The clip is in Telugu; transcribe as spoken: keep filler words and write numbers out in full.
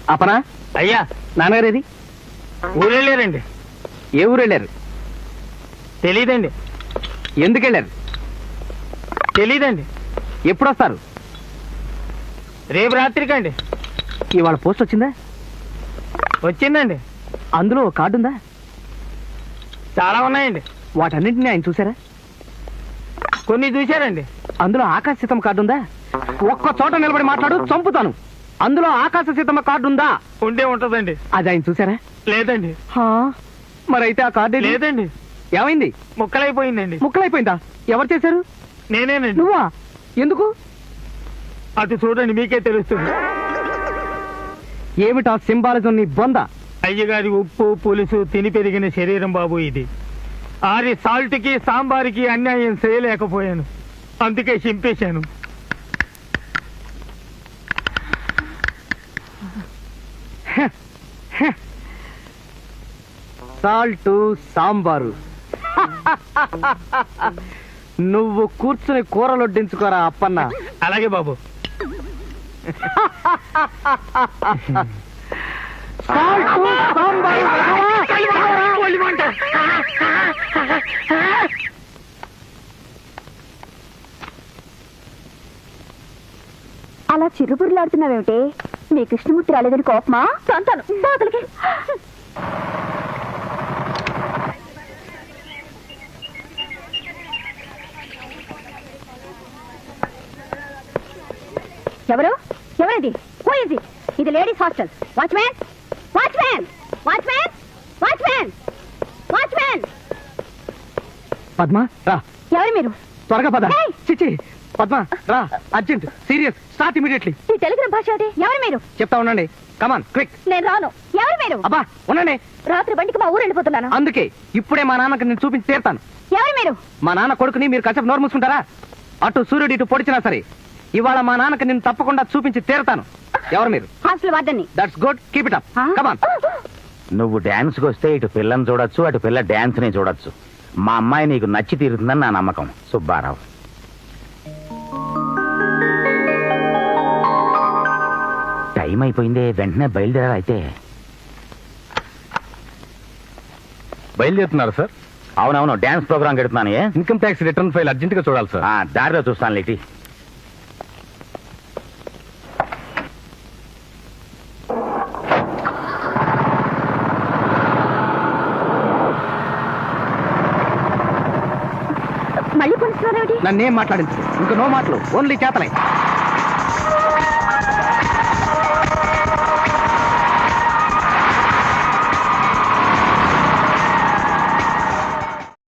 అపనా అయ్యా నాన్నగారేది? ఊరు వెళ్ళారండి. ఏ ఊరు వెళ్ళారు? తెలీదండి. ఎందుకు వెళ్ళారు? తెలీదండి. ఎప్పుడు వస్తారు? రేపు రాత్రికండి. ఇవాళ పోస్ట్ వచ్చిందా? వచ్చిందండి. అందులో కార్డు ఉందా? చాలా ఉన్నాయండి. వాటన్నింటినీ ఆయన చూసారా? కొన్ని చూశారండి. అందులో ఆకాశ సీతమ్మ కార్డు ఉందా? ఒక్క చోట నిలబడి మాట్లాడు, చంపుతాను. అందులో ఆకాశ సీతమ్మ కార్డు ఉందా? ఉండే ఉంటదండి. అది ఆయన చూసారా? లేదండి. మరైతే ఆ కార్డు లేదండి. ఏమైంది? ముక్కలైపోయిందండి. ముక్కలైపోయిందా? ఎవరు చేశారు? నేనేనండి. నువ్వా? ఎందుకు? అటు చూడండి, మీకే తెలుస్తుంది. ఏమిటా సింబాలిజం నీ బొంద? అయ్యగారి ఉప్పు పులుసు తిని పెరిగిన శరీరం బాబు ఇది. ఆరి సాల్ట్ కి సాంబార్కి అన్యాయం చేయలేకపోయాను, అందుకే చింపేశాను. సాల్టు సాంబారు నువ్వు కూర్చుని కూరలొడ్డించుకోరా అప్పన్న. అలాగే బాబు. సాల్టు సాంబారు అలా చిరుబురులాడుతున్నావేమిటి? మీ కృష్ణమూర్తి రాలేదని కోపమా? సంతాను బాధలకి. ఎవరు? ఎవరిది? పోయింది. ఇది ladies hostel. Watchman, watchman, watchman, watchman, watchman. Padma రా. ఎవరు మీరు? త్వరగా పద. చిచి పద్మ రా, అర్జెంట్, సీరియస్, స్టార్ట్ ఇమీడియట్లీ. ఈ టెలిగ్రామ్ భాష ఏంటి? ఎవరు మీరు? చెప్తా ఉండండి. Come on quick. నేను రాను. ఎవరు మీరు? అబ్బా ఉండండి. రాత్రి బండికి మా ఊరు వెళ్ళిపోతున్నాను. అందుకే ఇప్పుడే మా నాన్నకి నేను చూపించి తీరుతాను. ఎవరు మీరు? మా నాన్న కొడుకుని మీరు కాసేపు నోరు మూసుకుంటారా? అటు సూర్యుడు ఇటు పొడిచినా సరే ఇవాళ మా నాన్నకి నేను తప్పకుండా చూపించి తీరుతాను. ఎవరు మీరు? హాస్టల్ వార్డెన్ని. That's good, keep it up. Come on. నువ్వు డాన్స్ కి వస్తే ఇటు పిల్లని చూడొచ్చు, అటు పిల్ల డాన్స్ ని చూడొచ్చు. మా అమ్మాయి నీకు నచ్చి తీరుతుందని నా నమ్మకం. సుబ్బారావు. టైం అయిపోయింది, వెంటనే బయలుదేరాలి. అయితే బయలుదేరుతున్నారు సార్? అవునవును, డాన్స్ ప్రోగ్రామ్ గడుపుతున్నాను. Income tax return file urgent గా చూడాలి సార్. దారిలో చూస్తాను లేటి. మళ్ళీ కొనిస్తున్నారేమిటి? నన్నేం మాట్లాడించు. ఇంకా నో మాటలు, ఓన్లీ చేతలే.